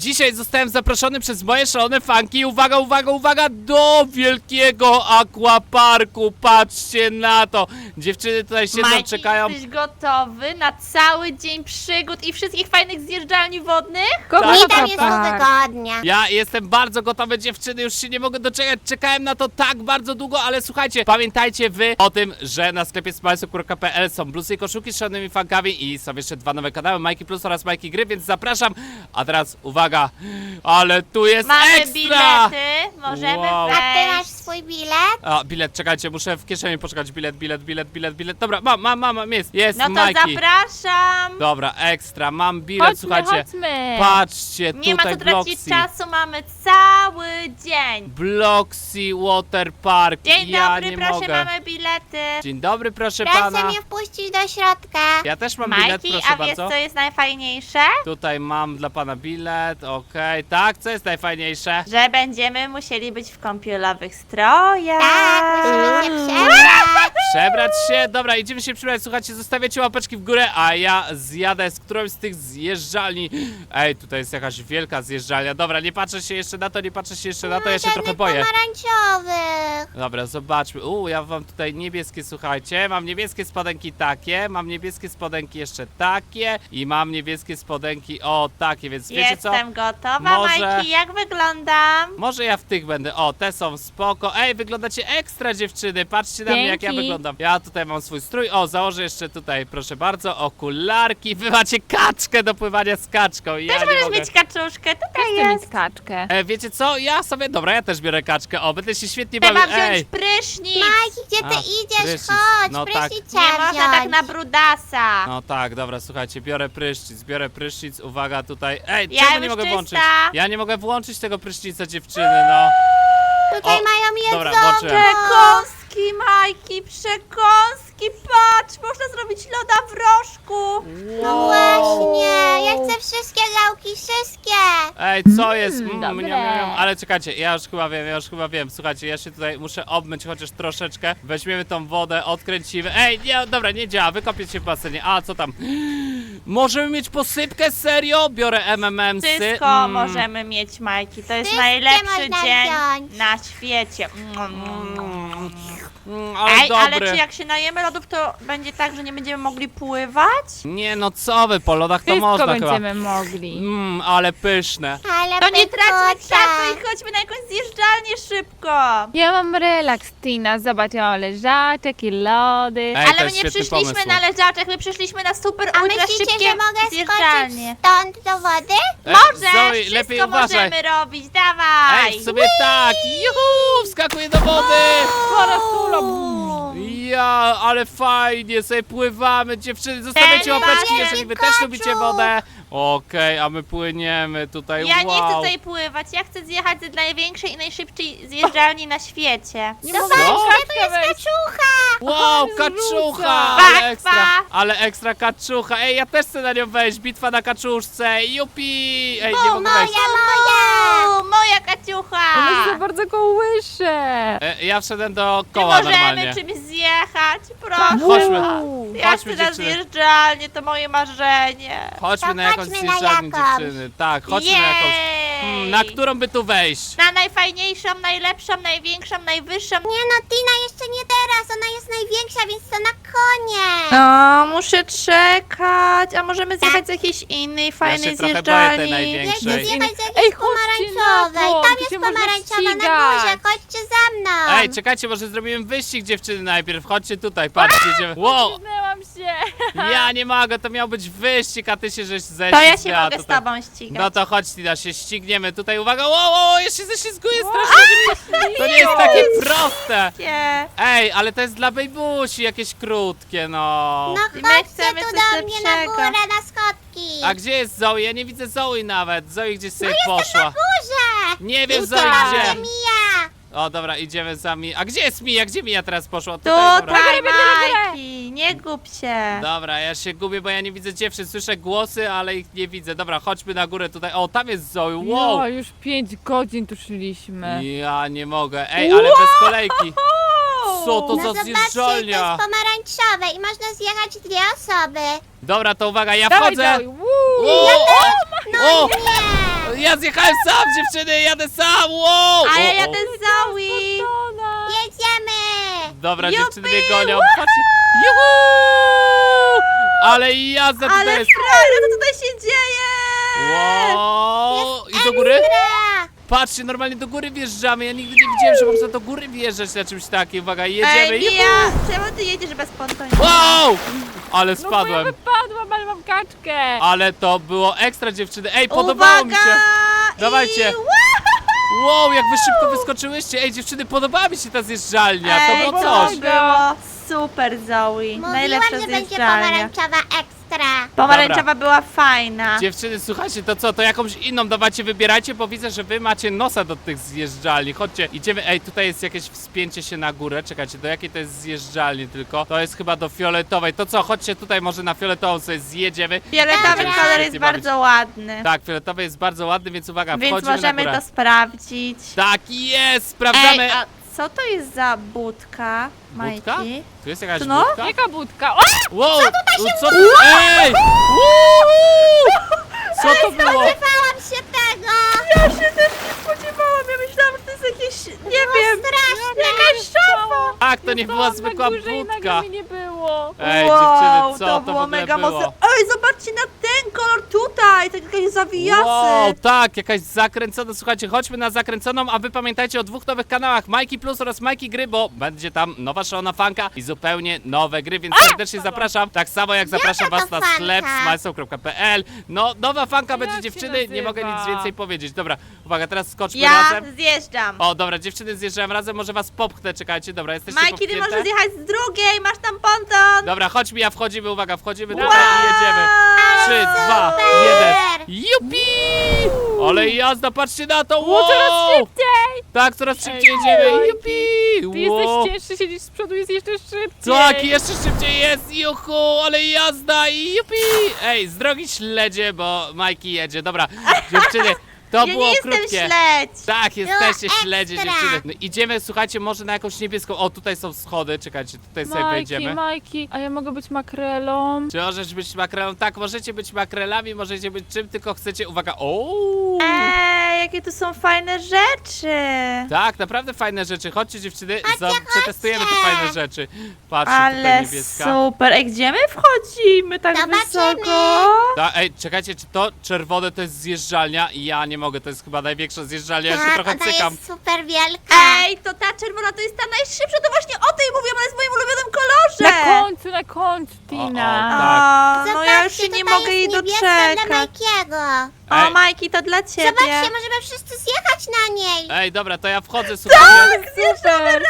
Dzisiaj zostałem zaproszony przez moje szalone fanki. Uwaga, uwaga, uwaga, do wielkiego aquaparku. Patrzcie na to. Dziewczyny tutaj siedzą, Majki, czekają. jesteś gotowy na cały dzień przygód i wszystkich fajnych zjeżdżalni wodnych? Mi tam jest wygodnie. Ja jestem bardzo gotowy, dziewczyny, już się nie mogę doczekać. Czekałem na to tak bardzo długo, ale słuchajcie, pamiętajcie wy o tym, że na sklepie smilesy.pl są blusy i koszulki z szalonymi fankami i są jeszcze dwa nowe kanały, Majki Plus oraz Majki Gry, więc zapraszam. A teraz uwaga, ale tu jest Mamy ekstra! bilety, możemy Wow. A ty masz wejść. swój bilet? A, bilet, czekajcie, muszę w kieszeni poczekać. Bilet. Dobra, mam, jest No to Majki. zapraszam. Dobra, ekstra, mam bilet, słuchajcie. Chodźmy. Patrzcie, Nie ma tutaj co tracić Bloxy. czasu, mamy cały dzień. Bloxy Water Park. Dzień ja dobry, nie proszę, mogę. mamy bilety. Dzień dobry, proszę Proszę pana. mnie wpuścić do środka. Ja też mam bilet, Majki, proszę a wiesz bardzo. co jest najfajniejsze? Tutaj mam dla pana bilet, okej. Tak, co jest najfajniejsze? Że będziemy musieli być w kąpielowych strojach. Tak, musimy się przebrać. Przebrać się? Dobra, idziemy się przebrać. Słuchajcie, zostawiacie łapeczki w górę, a ja zjadę z którąś z tych zjeżdżalni. Ej, tutaj jest jakaś wielka zjeżdżalnia. Dobra, nie patrzę się jeszcze na to, ja się trochę boję. Pomarańczowych. Dobra, zobaczmy. Ja mam tutaj niebieskie, słuchajcie. Mam niebieskie spodenki takie, mam niebieskie spodenki jeszcze takie i mam niebieskie spodenki, o, takie, więc wiecie co? Jestem gotowa, Może- Majki, jak wyglądam? Może ja w tych będę. O, te są spoko. Ej, wyglądacie ekstra, dziewczyny. Patrzcie na mnie, jak ja Dzięki. wyglądam. Ja tutaj mam swój strój. O, założę jeszcze tutaj, proszę bardzo, okularki. Wy macie kaczkę do pływania z kaczką. Ja Też nie możesz mogę. mieć kaczuszkę, tutaj Chcę mieć jest. kaczkę. Wiecie co? Ja sobie, dobra, ja też biorę kaczkę. O, będę się świetnie Trzeba bawił. wziąć Ej, prysznic. Majki, gdzie ty A, idziesz? prysznic. Chodź, No tak. prysznic trzeba Nie można tak wziąć. na brudasa. no tak, dobra, słuchajcie, biorę prysznic, uwaga tutaj. Ej, Ja czemu już nie mogę czysta. włączyć? Ja nie mogę włączyć tego prysznica, dziewczyny, no. Tutaj O, mają dobra, jedzonko. włączyłem. Przekąski, Majki, przekąski. Patrz, można zrobić loda w rożku. No właśnie, ja chcę wszystkie gałki, wszystkie. Ej, co jest? dobre. Ale czekajcie, ja już chyba wiem. Słuchajcie, ja się tutaj muszę obmyć chociaż troszeczkę. Weźmiemy tą wodę, odkręcimy. Ej, nie, dobra, nie działa, wykopię się w basenie. A, co tam? Możemy mieć posypkę? Serio? Biorę MMMsy. Wszystko możemy mieć, Majki. To jest Wszystkie najlepszy można dzień wziąć. na świecie. Ale Ej, ale dobry. czy jak się najemy lodów, to będzie tak, że nie będziemy mogli pływać? Nie, no co wy, po lodach to Wszystko można chyba. będziemy mogli. Ale pyszne. Ale To nie traćmy pychota. czasu i chodźmy na jakąś zjeżdżalnię szybko. Ja mam relaks, Tina. Zobacz, ja mam leżaczek i lody. Ej, to Ale my jest nie świetny przyszliśmy pomysł. na leżaczek, my przyszliśmy na super A ultra myślicie, szybkie że mogę zjeżdżalnie. skoczyć stąd do wody? Możesz, Zoe, wszystko lepiej uważaj. możemy robić, dawaj. Ej, sobie tak, juhu, wskakuję do wody. Ja, ale fajnie, sobie pływamy, dziewczyny, zostawiacie Ten łapeczki, basen, jeżeli wy też kaczu. lubicie wodę. Okej, a my płyniemy tutaj, Ja wow. nie chcę tutaj pływać, ja chcę zjechać z największej i najszybciej zjeżdżalni na świecie. Nie Zobaczcie, mogę tu jest kaczucha. Wow, Ale kaczucha, zrzuca. ale ekstra kaczucha. Ej, ja też chcę na nią wejść, bitwa na kaczuszce, jupi. Ej, nie O, mogę wejść. moja. Moja kaciucha! One się bardzo kołysze. Ja wszedłem do Czy koła możemy normalnie. czymś zjechać? Proszę. Chodźmy. Ja Chodźmy, chcę na dziewczyny. zjeżdżalnię, to moje marzenie. Chodźmy na jakąś chodźmy na zjeżdżalnię, jakąś. dziewczyny. Tak, chodźmy na jakąś. Jej. Na którą by tu wejść? Na najfajniejszą, najlepszą, największą, najwyższą. Nie no, Tina, jeszcze nie teraz, ona jest największa, więc to na koniec. O, muszę czekać. A możemy zjechać z jakiejś innej fajnej się trochę boję tej zjeżdżalni? największej. Nie zjechać z Ej, jakiejś chodźcie na pomarańczowej. to, Tam tu jest się można pomarańczowa na ścigać. górze, chodźcie za mną. Ej, czekajcie, może zrobimy wyścig, dziewczyny, najpierw. Chodźcie tutaj, patrzcie. Idziemy. Wow, Znęłam się. ja nie mogę, to miał być wyścig, a ty się żeś To ja się ześlizgała mogę z tutaj. tobą ścigać. No to chodź, Tina, się ścigniemy. Tutaj, uwaga, wow, ja się ześlizguję strasznie. To nie jest takie proste. Nie. Ej, ale to jest dla bejbusi, jakieś krótkie, no. No I my chodźcie chcemy tu coś do mnie na lepszego. górę, na schodki. A gdzie jest Zoe? Ja nie widzę Zoe nawet. Zoe gdzieś sobie poszła. Górze. Nie wiem, Tutaj. Zoe Gdzie gdzie. Mija? O, dobra, idziemy za Mi. A gdzie jest Mija? Gdzie Mija teraz poszła? Dobra. Tutaj, Majki, nie gub się. Dobra, ja się gubię, bo ja nie widzę dziewczyn. Słyszę głosy, ale ich nie widzę. Dobra, chodźmy na górę tutaj. O, tam jest Zoe. Wow. No, już 5 godzin tu szliśmy. Ja nie mogę. Ej, ale bez kolejki. Co to No za zobaczcie, to zjeżdżalnia? jest pomarańczowe i można zjechać 2 osoby. Dobra, to uwaga, ja Dawaj, wchodzę. dawaj. Woo! O! No O! nie. Ja zjechałem sam, dziewczyny, jadę sam, wow! A ja O, o. jadę z Zoe. Jedziemy! Dobra, Jupi, dziewczyny mnie gonią, patrzcie. Juhu! Ale jazda tutaj Ale jest. frajer, co tutaj się dzieje? Wow! I do góry? Ekstra! Patrzcie, normalnie do góry wjeżdżamy. Ja nigdy nie widziałem, że można do góry wjeżdżać na czymś takim. Uwaga, jedziemy. Ej, Juhu! Mija, czemu ty jedziesz bez pontonika? Wow! Ale No bo ja spadłem. wypadłam, ale mam kaczkę. Ale to było ekstra, dziewczyny. Ej, podobało mi się. Dawajcie. Wow, jak wy szybko wyskoczyłyście. Ej, dziewczyny, podobała mi się ta zjeżdżalnia. To Ej, było to coś. było super, Zoe. Mówiłam, Najlepsza że będzie zjeżdżalnia. pomarańczowa ekstra. Pomarańczowa była fajna. Dziewczyny, słuchajcie, to co? To jakąś inną dawajcie, wybierajcie, bo widzę, że wy macie nosa do tych zjeżdżalni. Chodźcie, idziemy. Ej, tutaj jest jakieś wspięcie się na górę. Czekajcie, do jakiej to jest zjeżdżalni tylko? To jest chyba do fioletowej. To co? Chodźcie tutaj, może na fioletową sobie zjedziemy. Fioletowy Dobra. kolor jest Świetnie bawić. bardzo ładny. Tak, fioletowy jest bardzo ładny, więc uwaga, Więc wchodzimy możemy na górę. to sprawdzić. Tak jest, sprawdzamy. Ej, a co to jest za budka, Budka? Majki? Tu jest jakaś No. budka? Jaka budka? O! Wow! Co to? Ej! Co to było? Spodziewałam się tego! Ja się też nie spodziewałam, ja myślałam, że to jest jakieś, nie wiem, Straszne! jakaś szafa. Tak, to nie była Stałam zwykła na górze i nagle budka. mnie nie było. Ej, Wow, dziewczyny, co to to w było ogóle mega było? mocne. Ej, zobaczcie na ten kolor tutaj, tak jakieś zawijasy. Wow, tak, jakaś zakręcona. Słuchajcie, chodźmy na zakręconą, a wy pamiętajcie o dwóch nowych kanałach, Majki Plus oraz Majki Gry, bo będzie tam nowa szalona fanka i zupełnie nowe gry, więc serdecznie zapraszam. Tak samo jak zapraszam Jaka was to na sklep fanka? smajsą.pl. No, nowa fanka Jak będzie, się dziewczyny, nie mogę nic nazywa? więcej powiedzieć. Dobra, uwaga, teraz skoczmy Ja razem. zjeżdżam. O, dobra, dziewczyny, zjeżdżałem razem, może was popchnę, czekajcie, dobra, jesteście Majki, ty popchnięte? możesz zjechać z drugiej, masz tam ponton. Dobra, chodź Mija, wchodzimy, uwaga, wchodzimy Wow. tutaj i jedziemy. 3, 2, 1. Super! Jupi! Ale jazda, patrzcie na to! O, coraz Wow! szybciej! Tak, coraz szybciej Ej, jedziemy! Majki, Jupi! Ty Wow! jesteś cięższy, siedzisz z przodu, jest jeszcze szybciej. Tak, jeszcze szybciej jest! Juhu! Ale jazda! I jupi! Ej, z drogi śledzie, bo Majki jedzie. Dobra, dziewczyny, to Ja było nie jestem krótkie. śledź. Tak, jesteście ekstra. śledzie, dziewczyny. No, idziemy, słuchajcie, może na jakąś niebieską. O, tutaj są schody, czekajcie, tutaj sobie wejdziemy. Majki, a ja mogę być makrelą? Czy możesz być makrelą? Tak, możecie być makrelami, możecie być czym tylko chcecie. Uwaga, o! Ej, jakie tu są fajne rzeczy. Tak, naprawdę fajne rzeczy. Chodźcie dziewczyny, Chodźcie, przetestujemy te chodźcie. fajne rzeczy. Patrzcie, tutaj Ale niebieska. super. Ej, gdzie my wchodzimy tak Zobaczymy. wysoko? Ej, czekajcie, czy to czerwone to jest zjeżdżalnia? Ja nie mogę, to jest chyba największa zjeżdżalnia, ja się Tak, trochę ona cykam. jest super wielka. Ej, to ta czerwona to jest ta najszybsza, to właśnie o tej mówię, ona jest w moim ulubionym kolorze. Na końcu, Tina. Tak. O, no ja już się Zobaczcie, nie tutaj mogę jest jej niebieska dla doczekać. Majkiego. O, Ej. Majki, to dla ciebie. Zobaczcie, możemy wszyscy zjechać na niej. Ej, dobra, to ja wchodzę, słuchajcie. Super.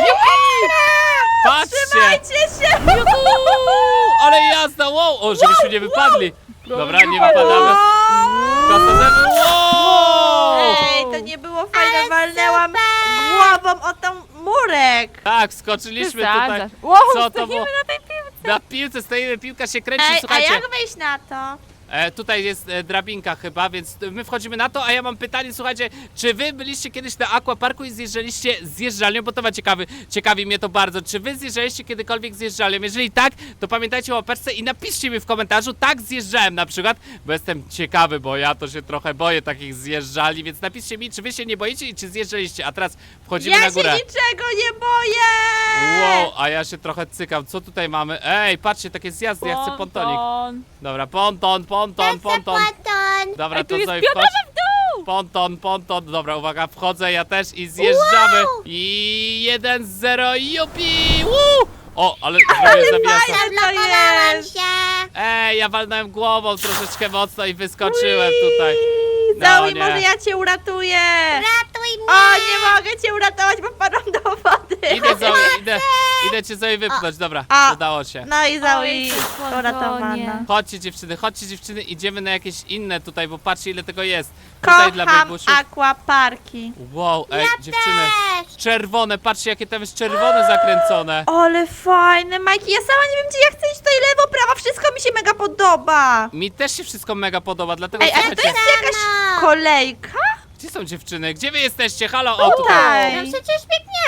Patrzcie! Trzymajcie się. Ale jazda, wow! O, żebyśmy nie wypadli. Dobra, nie wypadamy. Kasazemy, wow! Ej, to nie było fajne, Ale walnęłam super. głową o tą murek. Tak, skoczyliśmy tutaj. Przesadzasz. Wow, Co to stoimy było? na tej piłce. Na piłce stoimy, piłka się kręci, Ej, a słuchajcie. jak wejść na to? Tutaj jest drabinka chyba, więc my wchodzimy na to, a ja mam pytanie, słuchajcie, czy wy byliście kiedyś na aquaparku i zjeżdżaliście zjeżdżalnią, bo to ma ciekawi mnie to bardzo, czy wy zjeżdżaliście kiedykolwiek zjeżdżalnią? Jeżeli tak, to pamiętajcie o łapeczce i napiszcie mi w komentarzu, tak zjeżdżałem na przykład, bo jestem ciekawy, bo ja to się trochę boję takich zjeżdżalni, więc napiszcie mi, czy wy się nie boicie i czy zjeżdżaliście, a teraz wchodzimy Ja na górę. się niczego nie boję. Wow, a ja się trochę cykam, co tutaj mamy? Ej, patrzcie, takie zjazdy, ja chcę pontonik. Ponton. Dobra, ponton. Ponton. Dobra, Ej, tu to jest Zoe, pionowo wchodź. w dół. Ponton. Dobra, uwaga, wchodzę ja też i zjeżdżamy. Wow! I 1-0, jupi! Woo! O, ale zrobię zawiasa. fajne. Zablokowałam jest? się. Ej, ja walnąłem głową troszeczkę mocno i wyskoczyłem tutaj. No, Zoe, nie. może ja cię uratuję. Ratuj mnie. O, nie mogę cię uratować, bo wpadłam do wody. Idę Zoe, idę cię Zoe wypchnąć, dobra, A. udało się. No i Zoe Oj, ty uratowana. słodonie. Chodźcie dziewczyny, idziemy na jakieś inne tutaj, bo patrzcie ile tego jest. Tutaj dla Kocham biebusiów. aquaparki. Wow, ej, dziewczyny, Też. czerwone, patrzcie jakie tam jest czerwone zakręcone. Ale fajne, Majki, ja sama nie wiem, gdzie ja chcę iść tutaj lewo, prawo, wszystko mi się mega podoba. Mi też się wszystko mega podoba, dlatego Ej, ale to słuchajcie, jest jakaś kolejka? gdzie są dziewczyny? Gdzie wy jesteście? Halo, o tutaj. Tutaj. No przecież biegniemy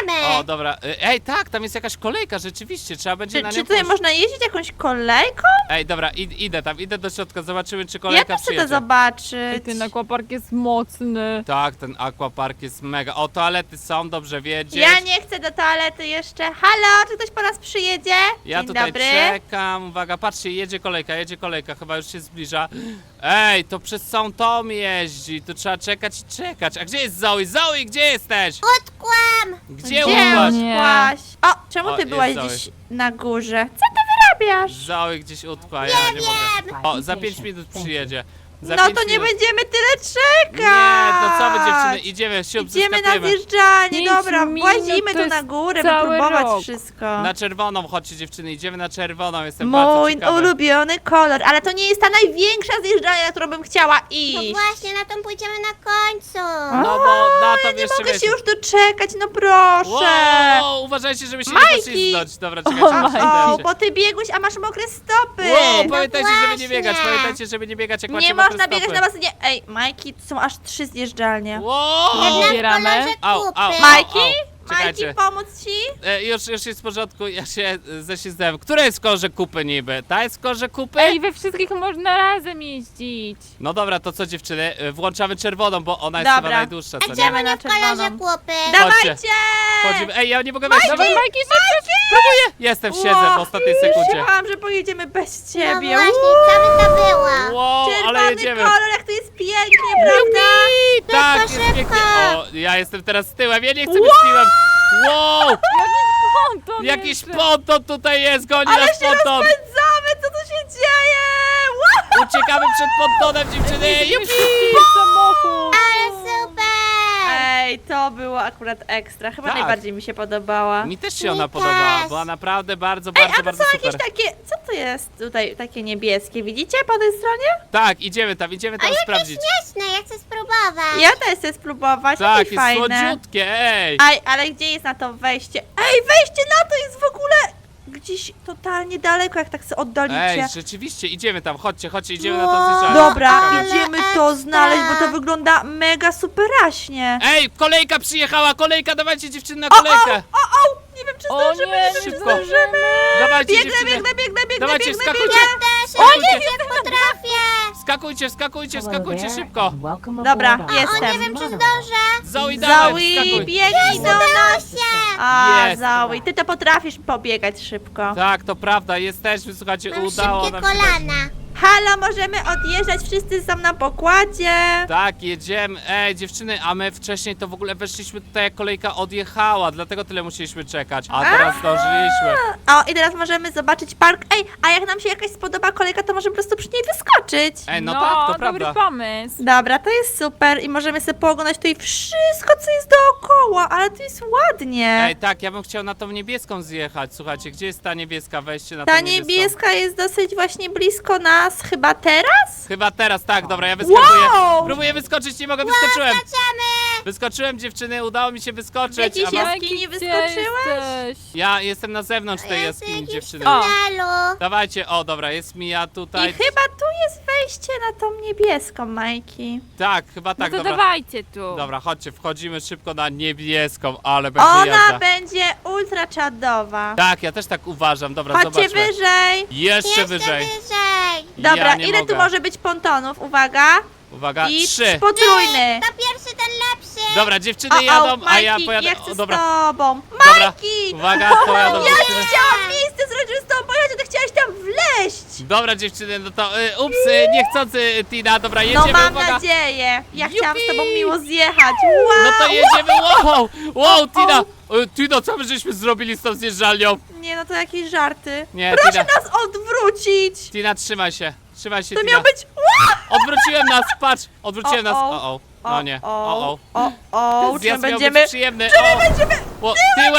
jedziemy. O, dobra. Ej, tak, tam jest jakaś kolejka, rzeczywiście, trzeba będzie na nią Czy tutaj pójść. można jeździć jakąś kolejką? Ej, dobra, idę tam, idę do środka, zobaczymy, czy Ja kolejka też chcę to przyjedzie. zobaczyć. Ej, ten aquapark jest mocny. Tak, ten aquapark jest mega. O, toalety są, dobrze wiedzieć. Ja nie chcę do toalety jeszcze. Halo, czy ktoś po nas przyjedzie? Ja Dzień tutaj dobry. czekam, uwaga, patrzcie, jedzie kolejka, chyba już się zbliża. Ej, to przez całą tom jeździ, tu trzeba czekać i czekać. A gdzie jest Zoe? Zoe, gdzie jesteś? Utkłam. Gdzie Gdzie upadłaś? Nie. utkłaś? O, czemu O, ty jest byłaś Zoe. gdzieś na górze? Co ty wyrabiasz? Zoe gdzieś utkła, ja nie mogę. O, za 5 minut przyjedzie. Za No 5 to nie minut. będziemy tyle czekać. Nie, to co wy dziewczyny, idziemy, siup, Idziemy na zeskakujemy. zjeżdżanie, 5 dobra, minut włazimy to tu na jest górę, by cały próbować rok. wszystko. Na czerwoną, chodźcie dziewczyny, idziemy na czerwoną, jestem bardzo Mój ciekawy. ulubiony kolor, ale to nie jest ta największa zjeżdżalnia, na którą bym chciała No iść. właśnie, na tą pójdziemy na końcu. No bo na to Nie jeszcze mogę wiecie. się już doczekać, no proszę. Wow, uważajcie, żeby się Majki! nie poślizgnąć. Dobra, czekajcie, O, O, o, bo ty biegłeś, a masz mokre stopy. Wow, pamiętajcie, żeby nie właśnie. biegać, pamiętajcie, żeby nie biegać, jak macie Nie mokre można stopy. biegać na basenie. Ej, Majki, tu są aż 3 zjeżdżalnie. Wow! Jedna w Zbieramy. kolorze Au, kupy. au. Majki? Czekajcie. Majki, pomóc ci? Już jest w porządku, ja się ześlizgnąłem. Która jest w kolorze kupy niby? Ta jest w kolorze kupy? Ej, we wszystkich można razem jeździć. No dobra, to co dziewczyny? Włączamy czerwoną, bo ona jest Dobra. chyba najdłuższa, A co gdzie nie? Idziemy na mamy w kolorze czerwoną. kupy? Dawajcie! Chodzimy. Ej, ja nie mogę wejść. Dawaj, Majki, szybko. Próbuję! Jestem, siedzę w ostatniej sekundzie. Myślałam, że pojedziemy bez No ciebie. właśnie, co by to było? Wow, Czerwony ale jedziemy. kolor, jak to jest pięknie, prawda? Tak, Szybko, jest szybko. pięknie. O, ja jestem teraz z tyłem, ja nie chcę być tyłem. Wow! Ponton Jakiś jeszcze. ponton tutaj jest, goni Ale nas się ponton! rozpędzamy, co tu się dzieje? Wow! Uciekamy przed pontonem, dziewczyny! Jupi! Szybki samochód. Ale super! Ej, to było akurat ekstra, chyba Tak. najbardziej mi się podobała. Mi też się ona Mi podobała, też. była naprawdę bardzo, Ej, bardzo, a to bardzo są super. jakieś takie, co to jest tutaj, takie niebieskie, widzicie po tej stronie? Tak, idziemy tam sprawdzić. Śmieszne, ja chcę spróbować. Ja też chcę spróbować, Tak, jakieś jest fajne. słodziutkie, ej! Ej, ale gdzie jest na to wejście? Ej, wejście na to jest w ogóle gdzieś totalnie daleko, jak tak sobie oddalicie. Ej, rzeczywiście, idziemy tam, chodźcie, idziemy na to Wow. zjeżdżalnię. Dobra, Ale idziemy to ekstra. znaleźć, bo to wygląda mega superaśnie. Ej, kolejka przyjechała, kolejka, dawajcie dziewczyny na kolejkę! O, nie wiem czy O zdążymy, nie, nie wiem czy szybko. zdążymy. Dawajcie Biegnę, dziewczyny! biegnę, Dawajcie, biegnę, wskakujcie. biegnę. Też, Skakujcie. jak potrafię. Skakujcie szybko! Dobra, O, jestem. nie wiem, czy zdążę. Zoe, dawaj, Zoe, wskakuj! biegnij do Udało nas. się. A, Jest. Zoe, ty to potrafisz pobiegać szybko. Tak, to prawda, jesteśmy, słuchajcie, Mam udało szybkie nam się. kolana. Halo, możemy odjeżdżać, wszyscy są na pokładzie. Tak, jedziemy. Ej, dziewczyny, a my wcześniej to w ogóle weszliśmy tutaj, jak kolejka odjechała, dlatego tyle musieliśmy czekać. A teraz zdążyliśmy. O, i teraz możemy zobaczyć park. Ej, a jak nam się jakaś spodoba kolejka, to możemy po prostu przy niej wyskoczyć. Ej, no tak, to dobry prawda. pomysł. Dobra, to jest super i możemy sobie pooglądać tutaj wszystko, co jest dookoła, ale to jest ładnie. Ej, tak, ja bym chciał na tą niebieską zjechać. Słuchajcie, gdzie jest ta niebieska? Wejście na tą Ta niebieską. niebieska jest dosyć właśnie blisko nas, chyba teraz? Chyba teraz, tak, dobra, ja wyskakuję. Wow! Próbuję wyskoczyć, nie mogę, wyskoczyłem. Skaczemy. Wyskoczyłem, dziewczyny, udało mi się wyskoczyć. Jakiś a jest- was... jaskini Majki, wyskoczyłeś? gdzie jesteś? Ja jestem na zewnątrz tej Ja jaskini, jestem dziewczyny. w O. tunelu. Dawajcie, o dobra, jest Mija I tutaj. chyba tu jest wejście na tą niebieską, Majki. Tak, chyba tak, No to dobra. dawajcie tu. Dobra, chodźcie, wchodzimy szybko na niebieską, ale będzie Ona jazda. będzie ultra czadowa. Tak, ja też tak uważam, dobra, Chodźcie zobaczmy. wyżej. Jeszcze wyżej. Dobra, Ja nie ile mogę. tu może być pontonów? Uwaga. Uwaga, I 3. potrójny. To pierwszy, ten lepszy. Dobra, dziewczyny jadą, a ja Majki, pojadę. ja chcę O, dobra, z tobą. dobra. Majki! Uwaga, pojadą Ja dziewczyny. nie chciałam miejsce zrobić z tobą pojechać, ty chciałaś tam wleźć. Dobra, dziewczyny, no to ups, niechcący Tina, dobra, No jedziemy, mam uwaga. nadzieję. Ja chciałam z Jupi! tobą miło zjechać. Wow. No to jedziemy, wow, Tina. Tina, co my żeśmy zrobili z tą zjeżdżalnią? Nie, no to jakieś żarty. Nie, Proszę Tina. nas odwrócić. Tina, trzymaj się, To Tina. miał być... Odwróciłem nas, patrz, odwróciłem nas, o, no nie, o. Ten Czy zjazd miał będziemy... być przyjemny. O,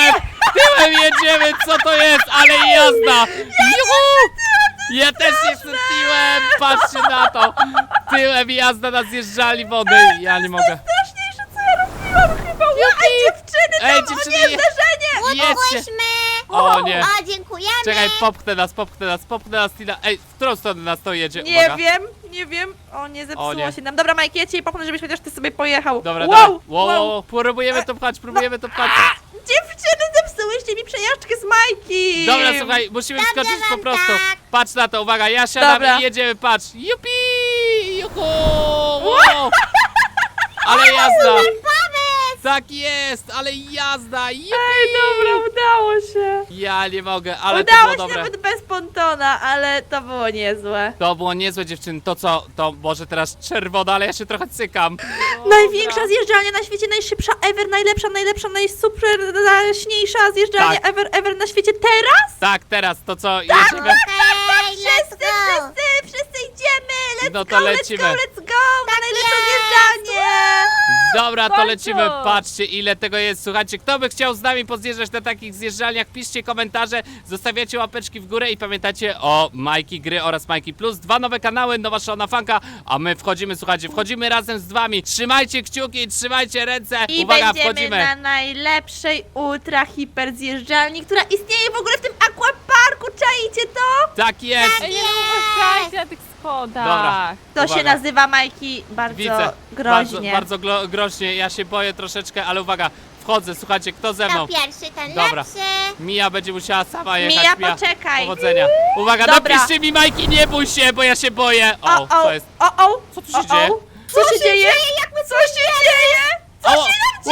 tyłem jedziemy, co to jest? Ale jazda! Juhu! Ja też jestem tyłem, patrzcie na to. Tyłem jazda na zjeżdżali wody. Ja nie mogę. Straszniejsze, co ja robiłam chyba. Ej, dziewczyny, Ej, tam, dziewczyny, o nie, zderzenie. Jedźcie. Udłyśmy. O nie. O, dziękujemy. Czekaj, popchnę nas, Tina. Ej, w którą stronę nas to jedzie? Nie Uwaga. wiem, Nie wiem. O, nie O, zepsuło nie. się nam. Dobra, Majki, ja cię popchnę, żebyś chociaż ty sobie pojechał. Dobra, wow, dobra. Wow, próbujemy to pchać, próbujemy to pchać. Dziewczyny, zepsułyście mi przejażdżkę z Majki. Dobra, słuchaj, musimy wskoczyć po wam prostu. tak. Patrz na to, uwaga, ja siadam Dobra. i jedziemy, patrz. Jupi! Juhu! Wow! Ale jazda! Tak jest, ale jazda! Jupi! Ej, dobra, udało się. Ja nie mogę, ale to Udało było się dobre. nawet bez pontona, ale to było niezłe. To było niezłe, dziewczyny. To co? To może teraz czerwona, ale ja się trochę cykam. Największa zjeżdżalnia na świecie, najszybsza ever, najlepsza, najsuper, najjaśniejsza zjeżdżalnia Tak. ever na świecie teraz? Tak, teraz to co? Jedziemy? Hej, let's go! Wszyscy idziemy! Let's No to go, lecimy. let's go! Na najlepsze zjeżdżalnie! Dobra, to końcu. lecimy. Patrzcie, ile tego jest. Słuchajcie, kto by chciał z nami pozjeżdżać na takich zjeżdżalniach? Piszcie komentarze, zostawiacie łapeczki w górę i pamiętajcie o Majki Gry oraz Majki Plus. 2 nowe kanały, nowa szalona fanka, a my wchodzimy, słuchajcie, wchodzimy razem z wami. Trzymajcie kciuki, trzymajcie ręce. I Uwaga, będziemy wchodzimy. na najlepszej ultra hiper zjeżdżalni, która istnieje w ogóle w tym aquaparku, czaicie to? Tak jest. Ej, nie uważajcie na tych schodach. Dobra. To Uwaga. się nazywa, Majki, bardzo Widzę. groźnie. Bardzo groźnie. Ja się boję troszeczkę, ale uwaga, wchodzę. Słuchajcie, kto ze mną? To pierwszy, ten Dobra. lepszy. Mija będzie musiała sama jechać. Mija, poczekaj. Powodzenia. Uwaga, Dobra. napiszcie mi, Majki, nie bój się, bo ja się boję. O, co jest? Co tu się dzieje? Co się dzieje? Co się dzieje? O!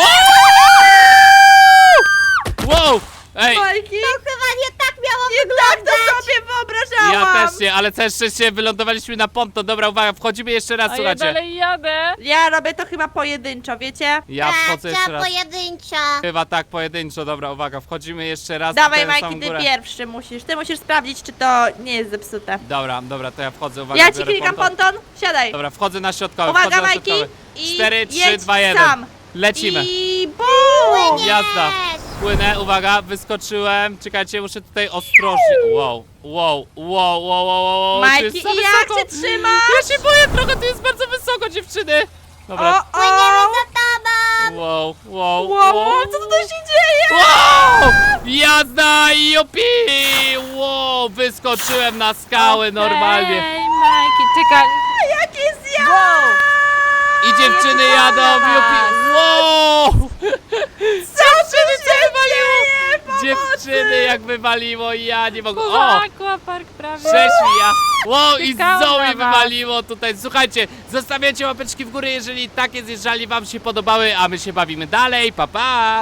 Wow! Ej, Majki? To chyba nie tak miało Nie tak wyglądać. to sobie wyobrażałam. ja też nie, ale całe szczęście wylądowaliśmy na ponton. Dobra, uwaga, wchodzimy jeszcze raz, A ja słuchajcie. dalej jadę. Ja robię to chyba pojedynczo, wiecie? Ja Tak, wchodzę jeszcze trzeba raz. pojedynczo. Chyba tak, pojedynczo. Dobra, uwaga, wchodzimy jeszcze raz. Dawaj, tutaj na Majki, samą ty górę. pierwszy musisz. Ty musisz sprawdzić, czy to nie jest zepsute. Dobra, to ja wchodzę, uwaga, Ja ci biorę klikam ponton, siadaj. Dobra, wchodzę na środkowy, Uwaga, wchodzę na Majki. środkowy. I 4, 3, jedź 2, 1. sam. Lecimy. I bum! Jazda. Płynę, uwaga, wyskoczyłem. Czekajcie, muszę tutaj ostrożnie. Wow. To Majki, jest i za jak wysoko. się trzymasz? Ja się boję trochę, tu jest bardzo wysoko, dziewczyny. Dobra. Płyniemy za tobą. Wow. Co tutaj się dzieje? Wow! Jazda, jupi! Wow, wyskoczyłem na skały normalnie. Ej, Majki, czekaj. Jakie zjazd! Wow. I dziewczyny jadą, jupi! Wow! Dziewczyny, co wywaliło? Dziewczyny, jak wywaliło, ja nie mogę. Poza O! aquapark prawie. Cześć, ja! Wow, i Czekałam Zoe na was. wywaliło tutaj. Słuchajcie, zostawiacie łapeczki w górę, jeżeli takie zjeżdżalnie wam się podobały, a my się bawimy dalej. Pa, pa!